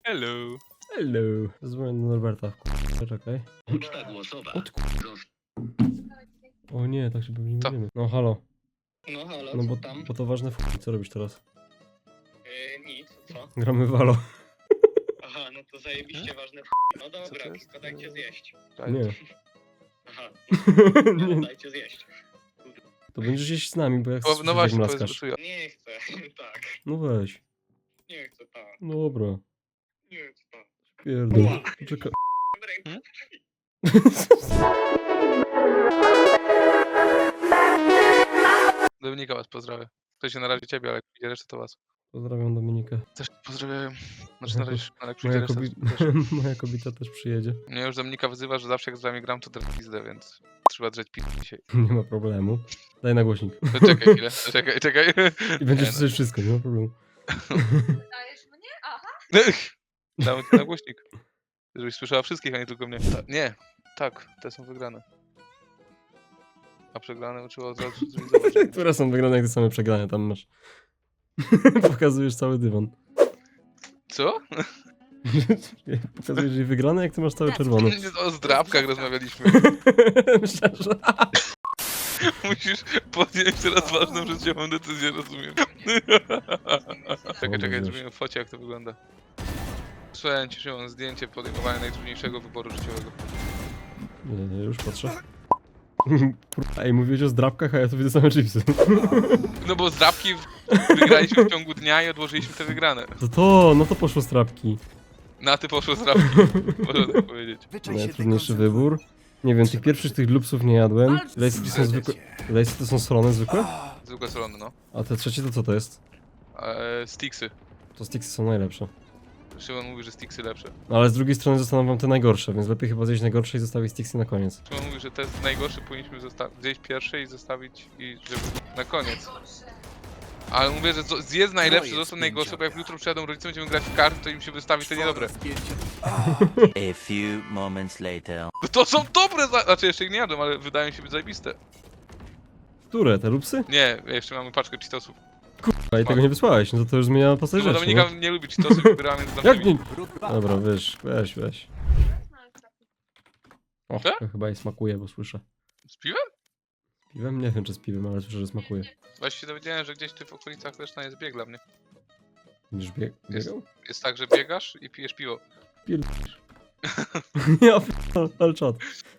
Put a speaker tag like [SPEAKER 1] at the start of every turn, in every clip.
[SPEAKER 1] Hello.
[SPEAKER 2] Hello. Zadzwonię do Norberta. Czekaj.
[SPEAKER 3] Uczta głosowa.
[SPEAKER 2] O nie, tak się pewnie nie
[SPEAKER 1] Co?
[SPEAKER 2] mówimy. No halo.
[SPEAKER 3] No halo,
[SPEAKER 2] No
[SPEAKER 3] co
[SPEAKER 2] bo
[SPEAKER 3] tam?
[SPEAKER 2] to ważne co robisz teraz?
[SPEAKER 3] Nic, co?
[SPEAKER 2] Gramy w Valo.
[SPEAKER 3] Aha, no to zajebiście ważne No
[SPEAKER 1] Co
[SPEAKER 3] dobra,
[SPEAKER 1] to jest?
[SPEAKER 3] tylko dajcie zjeść.
[SPEAKER 2] Nie.
[SPEAKER 3] Aha,
[SPEAKER 2] Nie.
[SPEAKER 3] no, dajcie zjeść.
[SPEAKER 2] To będziesz jeść z nami, bo ja chcę
[SPEAKER 1] No
[SPEAKER 2] słyszeć,
[SPEAKER 1] właśnie,
[SPEAKER 2] jak
[SPEAKER 1] powiedz,
[SPEAKER 2] mlaskasz.
[SPEAKER 1] co ja.
[SPEAKER 3] Nie chcę, tak.
[SPEAKER 2] No weź.
[SPEAKER 3] Nie chcę, tak.
[SPEAKER 2] Dobra.
[SPEAKER 3] Nie chcę, tak.
[SPEAKER 2] Pierdol. Czekaj.
[SPEAKER 3] Dobra,
[SPEAKER 1] Dominika was pozdrawia. To się na razie ciebie, ale jak przyjdzie reszta to was.
[SPEAKER 2] Pozdrawiam Dominikę.
[SPEAKER 1] Też pozdrawiam. Znaczy na razie, ale jak przyjdzie
[SPEAKER 2] Moja,
[SPEAKER 1] reszta
[SPEAKER 2] moja kobieta też przyjedzie.
[SPEAKER 1] Mnie już Dominika wyzywa, że zawsze jak z wami gram to drę pizdę, więc trzeba drzeć pizdę dzisiaj.
[SPEAKER 2] Nie ma problemu. Daj na głośnik.
[SPEAKER 1] To czekaj chwilę, czekaj.
[SPEAKER 2] I będziesz
[SPEAKER 1] Nie, no.
[SPEAKER 2] słyszeć wszystko, nie ma problemu.
[SPEAKER 4] Dajesz mnie? Aha.
[SPEAKER 1] Damy ci na głośnik. Żebyś słyszała wszystkich, a nie tylko mnie. Nie, tak, te są wygrane. A przegrane uczyło od razu zrealizować.
[SPEAKER 2] Które są wygrane jak te same przegrane, tam masz. Pokazujesz cały dywan.
[SPEAKER 1] Co?
[SPEAKER 2] Pokazujesz jej wygrane, jak ty masz cały czerwony.
[SPEAKER 1] O zdrabkach rozmawialiśmy.
[SPEAKER 2] Myślę, że...
[SPEAKER 1] Musisz podjąć teraz ważną życiową decyzję, rozumiem. Czekaj, zrobimy focie, jak to wygląda. Słuchaj, cieszyłem zdjęcie podejmowania najtrudniejszego wyboru życiowego.
[SPEAKER 2] Nie, już patrzę. Kurwa, ej, mówiłeś o zdrabkach, a ja tu widzę same chipsy.
[SPEAKER 1] No bo zdrabki wygraliśmy w ciągu dnia i odłożyliśmy te wygrane.
[SPEAKER 2] No to poszło zdrabki.
[SPEAKER 1] Na ty poszło zdrabki, można tak powiedzieć.
[SPEAKER 2] Najtrudniejszy wybór. Nie wiem, tych pierwszych tych lupsów nie jadłem. Lejsy to są zwykłe... Lejsy to są solone zwykłe?
[SPEAKER 1] Zwykłe solone, no.
[SPEAKER 2] A te trzecie to co to jest?
[SPEAKER 1] Sticksy.
[SPEAKER 2] To sticksy są najlepsze.
[SPEAKER 1] Szymon mówi, że sticksy lepsze.
[SPEAKER 2] No ale z drugiej strony zostaną wam te najgorsze, więc lepiej chyba zjeść najgorsze i zostawić sticksy na koniec.
[SPEAKER 1] Szymon mówi, że te najgorsze powinniśmy zjeść pierwsze i zostawić i żeby na koniec. Ale mówię, że zjedz najlepsze, zostaw najgorsze, bo jak jutro przyjadą rodzice, będziemy grać w karty, to im się wystawi te niedobre.
[SPEAKER 5] A few moments later.
[SPEAKER 1] No to są dobre, znaczy jeszcze ich nie jadłem, ale wydają się być zajebiste.
[SPEAKER 2] Które? Te lupsy?
[SPEAKER 1] Nie, jeszcze mamy paczkę cheatosów.
[SPEAKER 2] A i tego nie wysłałeś, no to już zmienia postać
[SPEAKER 1] No bo
[SPEAKER 2] rzeczy,
[SPEAKER 1] Dominika
[SPEAKER 2] no.
[SPEAKER 1] nie lubi cheatosów i wybierała między
[SPEAKER 2] Jak
[SPEAKER 1] tamtymi.
[SPEAKER 2] nie? Dobra, weź. O,
[SPEAKER 1] Co?
[SPEAKER 2] to chyba jej smakuje, bo słyszę.
[SPEAKER 1] Z piwem?
[SPEAKER 2] Z piwem? Nie wiem, czy z piwem, ale słyszę, że smakuje.
[SPEAKER 1] Właśnie się dowiedziałem, że gdzieś tu w okolicach Leszna jest bieg dla mnie.
[SPEAKER 2] Będziesz biegał?
[SPEAKER 1] Jest tak, że biegasz i pijesz piwo.
[SPEAKER 2] Ja ale czad.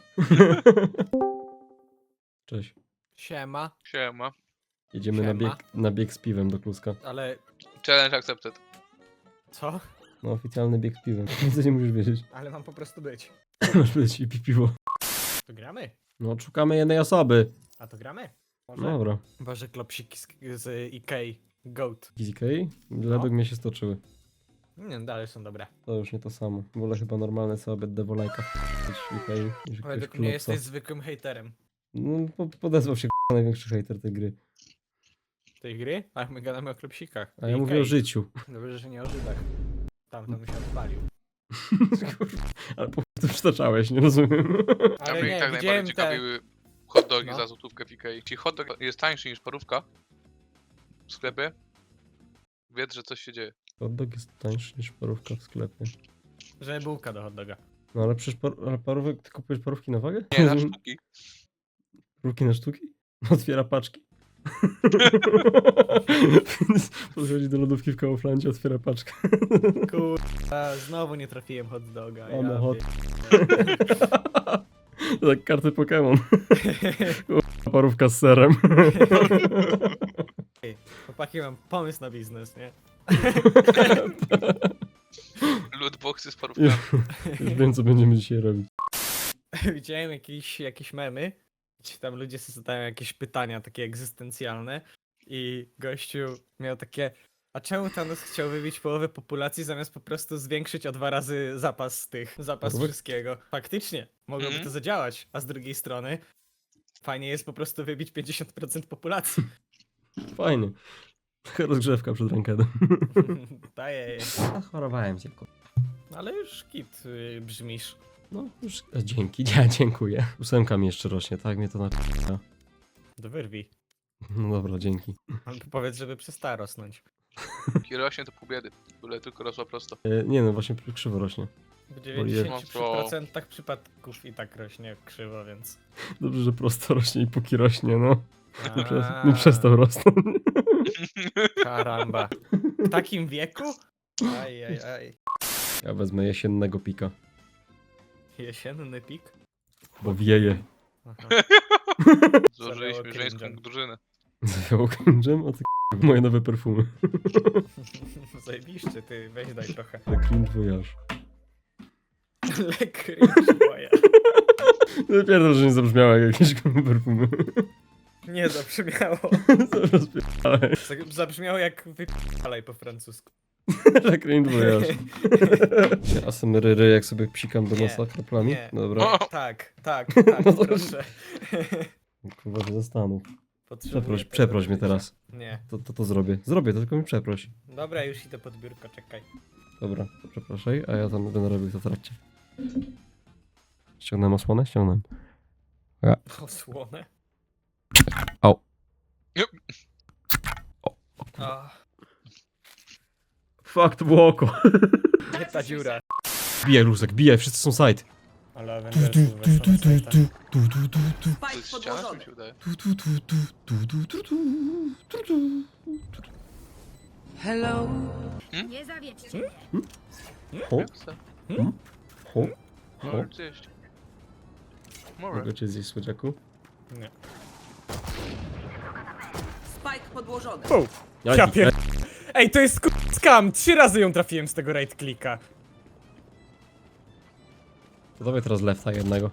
[SPEAKER 2] Cześć.
[SPEAKER 6] Siema,
[SPEAKER 1] Siema.
[SPEAKER 2] Jedziemy
[SPEAKER 6] Siema.
[SPEAKER 2] na bieg z piwem do Kluska.
[SPEAKER 6] ale
[SPEAKER 1] Challenge accepted.
[SPEAKER 6] co?
[SPEAKER 2] No, oficjalny bieg z piwem. Nic nie musisz wiedzieć.
[SPEAKER 6] Ale mam po prostu być.
[SPEAKER 2] Masz być i pi piwo.
[SPEAKER 6] To gramy?
[SPEAKER 2] No, szukamy jednej osoby.
[SPEAKER 6] A to gramy? Może?
[SPEAKER 2] Dobra.
[SPEAKER 6] Boże, klopsiki z Ikei. Goat.
[SPEAKER 2] GZK? Według mnie się stoczyły.
[SPEAKER 6] Nie, dalej są dobre.
[SPEAKER 2] To już nie to samo. Wolę chyba normalne sobie devolajka.
[SPEAKER 6] Według mnie jesteś zwykłym hejterem
[SPEAKER 2] No, podezwał się największy hejter tej gry.
[SPEAKER 6] tej gry, ale my gadamy o klopsikach.
[SPEAKER 2] A ja mówię o życiu.
[SPEAKER 6] Dobrze, że nie o Żydach. Tamten się odpalił.
[SPEAKER 2] Ale po to przytaczałeś, nie rozumiem.
[SPEAKER 1] Dla
[SPEAKER 6] Ale
[SPEAKER 1] mnie i
[SPEAKER 6] nie,
[SPEAKER 1] tak
[SPEAKER 6] widziałem
[SPEAKER 1] najbardziej
[SPEAKER 6] te...
[SPEAKER 1] ciekawiły hot dogi
[SPEAKER 6] No.
[SPEAKER 1] za złotówkę w Ikei. Jeśli hot dog jest tańszy niż parówka w sklepie, wiedz, że coś się dzieje.
[SPEAKER 2] Hot dog jest tańszy niż parówka w sklepie.
[SPEAKER 6] Że bułka do hot doga.
[SPEAKER 2] No ale przecież ale parówek, ty kupujesz parówki na wagę?
[SPEAKER 1] Nie, na sztuki.
[SPEAKER 2] Parówki na sztuki? Otwiera paczki. Podchodzi do lodówki w Kauflandzie, otwiera paczkę.
[SPEAKER 6] Kurwa, znowu nie trafiłem hot doga.
[SPEAKER 2] O, no
[SPEAKER 6] ja
[SPEAKER 2] hot.
[SPEAKER 6] pier-
[SPEAKER 2] To tak karty Pokémon. Parówka z serem.
[SPEAKER 6] Chłopaki, mam pomysł na biznes, nie?
[SPEAKER 1] Lootboxy z parówkami.
[SPEAKER 2] Już wiem, co będziemy dzisiaj robić.
[SPEAKER 6] Widziałem jakieś memy, gdzie tam ludzie sobie zadają jakieś pytania takie egzystencjalne i gościu miał takie: a czemu Thanos chciał wybić połowę populacji zamiast po prostu zwiększyć o 2 razy zapas
[SPEAKER 2] Parówek?
[SPEAKER 6] wszystkiego? Faktycznie, mogłoby to zadziałać, a z drugiej strony fajnie jest po prostu wybić 50% populacji.
[SPEAKER 2] Fajnie. Taka rozgrzewka przed rankedem.
[SPEAKER 6] Daję.
[SPEAKER 2] Chorowałem cię.
[SPEAKER 6] Ale już kit brzmisz.
[SPEAKER 2] No już dzięki, dziękuję. 8 mi jeszcze rośnie, tak mnie to na...
[SPEAKER 6] Do wyrwi.
[SPEAKER 2] No dobra, dzięki.
[SPEAKER 6] Powiedz, żeby przestała rosnąć.
[SPEAKER 1] Kiedy rośnie to pół biedy. Byle tylko rosła prosto.
[SPEAKER 2] Nie no, właśnie krzywo rośnie.
[SPEAKER 6] W
[SPEAKER 1] No to-
[SPEAKER 6] 90% przypadków i tak rośnie krzywo, więc...
[SPEAKER 2] Dobrze, że prosto rośnie i póki rośnie, no.
[SPEAKER 6] A,
[SPEAKER 2] Nie przestał rosnąć.
[SPEAKER 6] Karamba. W takim wieku? Aj.
[SPEAKER 2] Ja wezmę jesiennego pika,
[SPEAKER 6] Jesienny pik?
[SPEAKER 2] bo wieje.
[SPEAKER 6] Aha.
[SPEAKER 1] Złożyliśmy
[SPEAKER 6] Zalało
[SPEAKER 1] żeńską
[SPEAKER 6] cringe'em.
[SPEAKER 1] drużynę.
[SPEAKER 2] Zawiało cringe'em? O ty moje nowe perfumy.
[SPEAKER 6] Zajebiście, ty, weź daj trochę.
[SPEAKER 2] Le cringe voyage.
[SPEAKER 6] Le cringe moja.
[SPEAKER 2] Pierdol, że nie zabrzmiało jak jakieś perfumy.
[SPEAKER 6] Nie zabrzmiało.
[SPEAKER 2] Rozpierdalaj.
[SPEAKER 6] Zabrzmiało jak wypalaj po francusku.
[SPEAKER 2] Le cringe voyage. Asemeryry, jak sobie psikam do
[SPEAKER 6] Nie,
[SPEAKER 2] nosa kroplami?
[SPEAKER 6] nie.
[SPEAKER 2] Dobra.
[SPEAKER 1] O!
[SPEAKER 6] Tak,
[SPEAKER 2] No to-
[SPEAKER 6] proszę.
[SPEAKER 2] Kurwa, się zastanów.
[SPEAKER 6] Potrzebuję
[SPEAKER 2] Przeproś
[SPEAKER 6] tego
[SPEAKER 2] mnie teraz.
[SPEAKER 6] Nie.
[SPEAKER 2] To zrobię. Zrobię, to tylko mi przeproś.
[SPEAKER 6] Dobra, już idę pod biurko, czekaj.
[SPEAKER 2] Dobra, to przepraszaj, a ja tam będę robił to w trakcie. Ściągnąłem osłonę? Ściągnąłem.
[SPEAKER 6] Osłonę.
[SPEAKER 2] Au.
[SPEAKER 1] Jup.
[SPEAKER 6] A,
[SPEAKER 2] Fuck, to było oko.
[SPEAKER 6] nie ta dziura.
[SPEAKER 2] Bijaj, Luzek, bijaj, wszyscy są side.
[SPEAKER 6] Ale Avengersów weszło na sajta.
[SPEAKER 1] To jest ściana, mi się wydaje.
[SPEAKER 7] Nie zawiedźcie mnie.
[SPEAKER 2] Ho,
[SPEAKER 1] Jak se?
[SPEAKER 2] ho,
[SPEAKER 1] Może
[SPEAKER 2] ho.
[SPEAKER 1] gdzieś. Może.
[SPEAKER 2] Mogę cię zjeść, słodziaku?
[SPEAKER 6] Nie.
[SPEAKER 8] Spike podłożony.
[SPEAKER 6] Ja pier... Ej, to jest skam! 3 razy ją trafiłem z tego right clicka.
[SPEAKER 2] To dawaj teraz lefta jednego.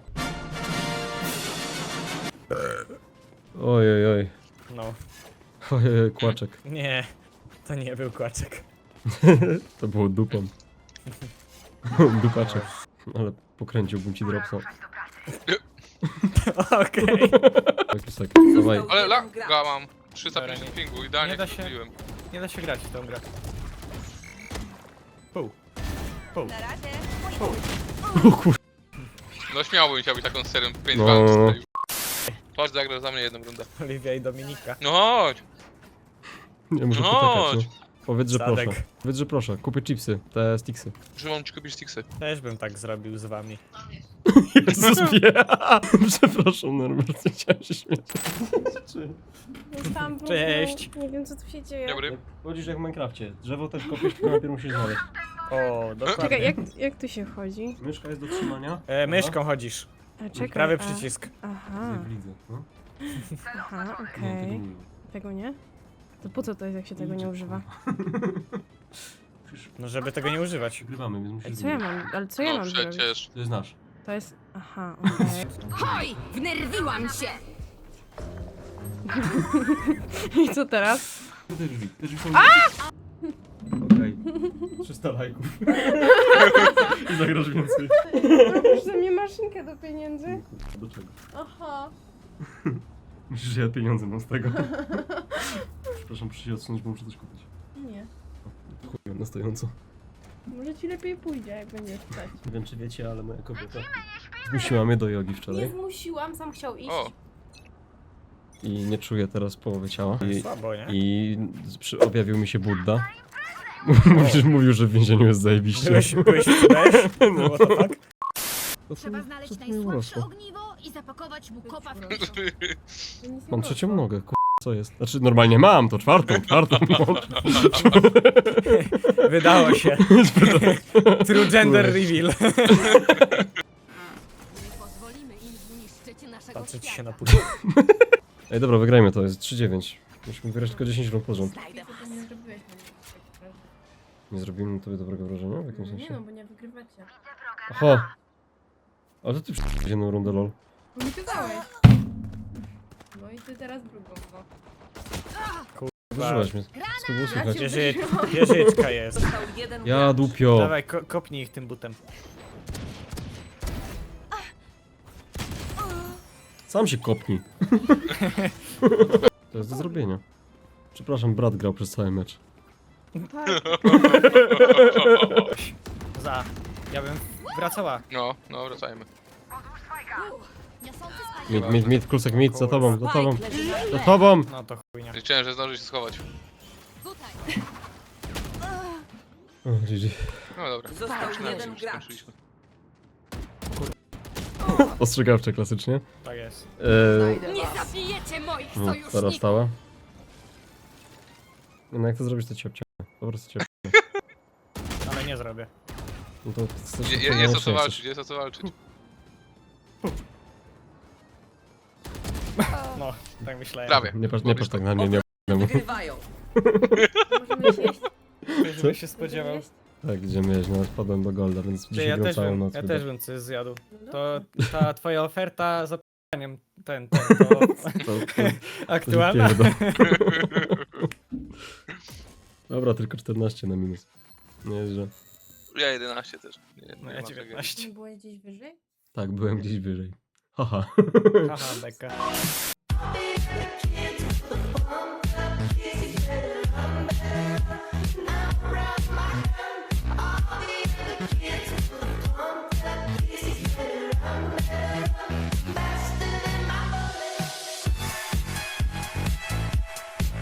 [SPEAKER 2] Oj, oj,
[SPEAKER 6] No.
[SPEAKER 2] oj, kłaczek.
[SPEAKER 6] Nie. To nie był kłaczek.
[SPEAKER 2] To było dupą. Dupaczek. Ale pokręciłbym ci dropsa.
[SPEAKER 6] Okej.
[SPEAKER 2] Tak, dawaj.
[SPEAKER 1] Ale laga mam. 350
[SPEAKER 6] Dobra, nie-
[SPEAKER 1] pingu, idealnie
[SPEAKER 6] nie da się-
[SPEAKER 1] kupiłem.
[SPEAKER 6] Nie da się grać w tą grę. Pół.
[SPEAKER 7] Na razie.
[SPEAKER 2] O kur...
[SPEAKER 1] No śmiałbym chciał być taką serią 5
[SPEAKER 2] No.
[SPEAKER 1] walk. Patrz, zagra za mnie jedną rundę.
[SPEAKER 6] Oliwia i Dominika.
[SPEAKER 1] No chodź!
[SPEAKER 2] Nie muszę
[SPEAKER 1] No
[SPEAKER 2] poczekać, no. Powiedz, że
[SPEAKER 6] Sadek.
[SPEAKER 2] proszę. Powiedz, że proszę. Kupię chipsy, te sticksy.
[SPEAKER 1] Że mam ci kupić sticksy.
[SPEAKER 6] Też bym tak zrobił z wami.
[SPEAKER 2] Jezus, przepraszam, Norbert, chciałem się śmiać.
[SPEAKER 9] Tam
[SPEAKER 6] Cześć.
[SPEAKER 9] Nie wiem co tu się dzieje.
[SPEAKER 1] Dobry.
[SPEAKER 2] Chodzisz jak w Minecrafcie. Drzewo też kopiesz, tylko najpierw musisz znaleźć.
[SPEAKER 6] O, dokładnie.
[SPEAKER 9] Czekaj, jak tu się wchodzi?
[SPEAKER 2] Myszka jest do trzymania.
[SPEAKER 6] Myszką chodzisz.
[SPEAKER 9] A, czekaj,
[SPEAKER 6] Prawy
[SPEAKER 9] a-
[SPEAKER 6] przycisk.
[SPEAKER 9] Aha,
[SPEAKER 2] Widzę, no.
[SPEAKER 9] aha,
[SPEAKER 2] Nie, tego
[SPEAKER 9] okej.
[SPEAKER 2] nie wiem.
[SPEAKER 9] Tego nie? To po co to jest, jak się tego nie używa?
[SPEAKER 2] Przecież
[SPEAKER 6] No żeby tego nie używać.
[SPEAKER 2] przegrywamy, więc
[SPEAKER 9] Ej,
[SPEAKER 2] musisz
[SPEAKER 9] co ja
[SPEAKER 2] zrobić.
[SPEAKER 9] mam, ale co ja
[SPEAKER 1] No
[SPEAKER 9] mam zrobić?
[SPEAKER 1] przecież.
[SPEAKER 2] To jest nasz.
[SPEAKER 9] To jest, aha, okej.
[SPEAKER 7] Oj, wnerwiłam się.
[SPEAKER 9] I co teraz?
[SPEAKER 2] Te drzwi, te drzwi są... Okej. 300 lajków. I zagrasz więcej.
[SPEAKER 9] Robisz ze mnie maszynkę do pieniędzy?
[SPEAKER 2] Do czego?
[SPEAKER 9] Aha.
[SPEAKER 2] Myślisz, że ja pieniądze mam z tego? Przepraszam, muszę się odsunąć, bo muszę coś kupić.
[SPEAKER 9] Nie.
[SPEAKER 2] Chuj, na stojąco.
[SPEAKER 9] Może ci lepiej pójdzie, jak będziesz stać.
[SPEAKER 2] Nie wiem, czy wiecie, ale moja kobieta zmusiła mnie do jogi
[SPEAKER 9] Nie
[SPEAKER 2] wczoraj.
[SPEAKER 9] zmusiłam, sam chciał iść.
[SPEAKER 1] O,
[SPEAKER 2] I nie czuję teraz połowy ciała.
[SPEAKER 6] Słabo, nie?
[SPEAKER 2] I objawił mi się Budda. Mówił, że w więzieniu jest zajebiście.
[SPEAKER 6] Byłeś też? No to tak?
[SPEAKER 7] Trzeba znaleźć najsłabsze ogniwo i zapakować mu kopa w kieszeń.
[SPEAKER 9] To nic nie
[SPEAKER 2] Mam
[SPEAKER 9] poszło.
[SPEAKER 2] trzecią nogę, co jest? Znaczy normalnie mam, to czwartą mam.
[SPEAKER 6] Wydało się. True gender reveal.
[SPEAKER 7] Nie pozwolimy im zniszczyć naszego
[SPEAKER 6] Patrzę ci się
[SPEAKER 7] świata.
[SPEAKER 6] na później.
[SPEAKER 2] Ej, dobra, wygrajmy to, jest 3-9. Musimy wygrać tylko 10 rund pod rząd.
[SPEAKER 7] Znajdę was.
[SPEAKER 9] Nie zrobiłeś na mnie takiego wrażenia.
[SPEAKER 2] Nie zrobimy na tobie dobrego wrażenia w jakimś
[SPEAKER 9] Nie no,
[SPEAKER 2] sensie?
[SPEAKER 9] bo nie wygrywacie.
[SPEAKER 2] Oho! Ale to ty przy jedną rundę, lol.
[SPEAKER 9] Bo mi kazałeś. No i ty teraz drugą, no.
[SPEAKER 2] Wyżyłaś mnie. Co było słychać?
[SPEAKER 6] Wieżyczka jest.
[SPEAKER 8] Został jeden
[SPEAKER 2] Ja
[SPEAKER 8] gracz.
[SPEAKER 2] dupio!
[SPEAKER 6] Dawaj, kopnij ich tym butem.
[SPEAKER 2] Sam się kopnij. To jest do zrobienia. Przepraszam, brat grał przez cały mecz.
[SPEAKER 6] Ja bym wracała.
[SPEAKER 1] no wracajmy.
[SPEAKER 7] Niosący spajek.
[SPEAKER 2] Mid, klusek mid, za tobą, za tobą.
[SPEAKER 8] Spike leży na
[SPEAKER 2] Za
[SPEAKER 8] tle.
[SPEAKER 2] tobą!
[SPEAKER 6] No to chujnia.
[SPEAKER 1] Liczyłem, że zdąży się schować.
[SPEAKER 7] Tutaj.
[SPEAKER 2] O, GG.
[SPEAKER 1] No dobra.
[SPEAKER 8] Został
[SPEAKER 1] Skończyliśmy,
[SPEAKER 8] jeden gracz.
[SPEAKER 1] skończyliśmy.
[SPEAKER 2] Ostrzegawcze klasycznie.
[SPEAKER 6] Tak jest.
[SPEAKER 8] Znajdę
[SPEAKER 7] Nie
[SPEAKER 8] was.
[SPEAKER 7] zabijecie moich
[SPEAKER 2] No, Stara
[SPEAKER 7] sojuszników!
[SPEAKER 2] stała. No jak to zrobisz, to cię obciągnę. Po prostu cię
[SPEAKER 6] Ale nie zrobię.
[SPEAKER 2] No to chcesz,
[SPEAKER 1] Jest o co walczyć, jest o co walczyć.
[SPEAKER 6] No, tak myślałem.
[SPEAKER 1] Prawie.
[SPEAKER 2] Nie patrz tak na mnie, nie
[SPEAKER 8] Wygrywają.
[SPEAKER 9] Możemy iść jeść?
[SPEAKER 6] Ktoś by się spodziewał.
[SPEAKER 9] Możemy jeść?
[SPEAKER 2] Tak, gdzie miałeś, no wpadłem do Golda, więc
[SPEAKER 6] Ty,
[SPEAKER 2] dzisiaj gram całą noc.
[SPEAKER 6] ja
[SPEAKER 2] chyba.
[SPEAKER 6] też bym coś zjadł.
[SPEAKER 9] No
[SPEAKER 6] To
[SPEAKER 9] dobra.
[SPEAKER 6] ta twoja oferta za p***aniem to
[SPEAKER 2] To
[SPEAKER 6] aktualna.
[SPEAKER 2] pierdol. Dobra, tylko 14 na minus. Nie, że...
[SPEAKER 1] Ja 11 też. Nie,
[SPEAKER 6] No
[SPEAKER 1] nie
[SPEAKER 6] ja
[SPEAKER 1] ma
[SPEAKER 6] 19.
[SPEAKER 9] Nie było gdzieś wyżej?
[SPEAKER 2] Tak, byłem gdzieś wyżej. Haha.
[SPEAKER 6] Haha, beka.